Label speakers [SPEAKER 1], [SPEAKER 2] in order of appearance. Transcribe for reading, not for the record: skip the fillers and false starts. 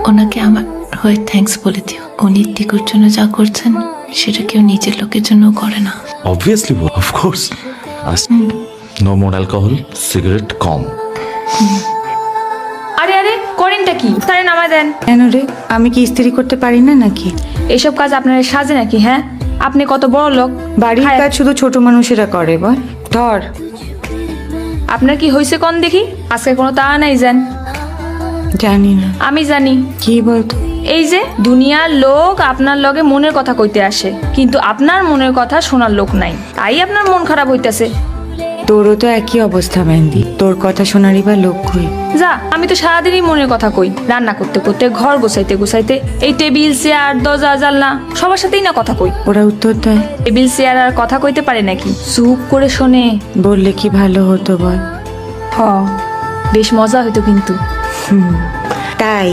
[SPEAKER 1] ওনাকে আমার হয়ে থ্যাঙ্কস বলে দিও। উনি টিকুর জন্য যা করছেন সেটা কেউ নিজের লোকের জন্য করে না।
[SPEAKER 2] Obviously of course. No more alcohol, cigarette কম।
[SPEAKER 3] আরে আরে করেনটা কি? তারে নামায় দেন।
[SPEAKER 4] কেন রে, আমি কি ইস্ত্রি করতে পারি না নাকি?
[SPEAKER 3] এইসব কাজ আপনার সাজে নাকি? হ্যাঁ, আপনি কত বড় লোক।
[SPEAKER 4] বাড়ির
[SPEAKER 3] হায়,
[SPEAKER 4] কাজ শুধু ছোট মানুষেরা করে, বল। ধর।
[SPEAKER 3] আপনার কি হয়েছে কোন দেখি? আজকে কোনো তা নাই যান।
[SPEAKER 4] জানি না।
[SPEAKER 3] আমি জানি।
[SPEAKER 4] কি বলতো?
[SPEAKER 3] এই যে দুনিয়ার লোক আপনার লগে মনের কথা কইতে আসে, কিন্তু আপনার মনের কথা শোনার লোক নাই, তাই আপনার মন খারাপ হইতাছে।
[SPEAKER 4] তোরও তো একই অবস্থা মেহেন্দি, তোর কথা শোনারই বা লোক কই?
[SPEAKER 3] যা, আমি তো সারাদিনই মনের কথা কই, রান্না করতে করতে, ঘর গোছাইতে গোছাইতে, এই টেবিল চেয়ার দরজা জানলা সবার সাথেই না কথা কই।
[SPEAKER 4] ওরা উত্তর দেয়?
[SPEAKER 3] টেবিল চেয়ার আর কথা কইতে পারে নাকি? চুপ করে শোনে।
[SPEAKER 4] বললে কি ভালো হতো বল।
[SPEAKER 3] হ, বেশ মজা হইতো কিন্তু।
[SPEAKER 4] তাই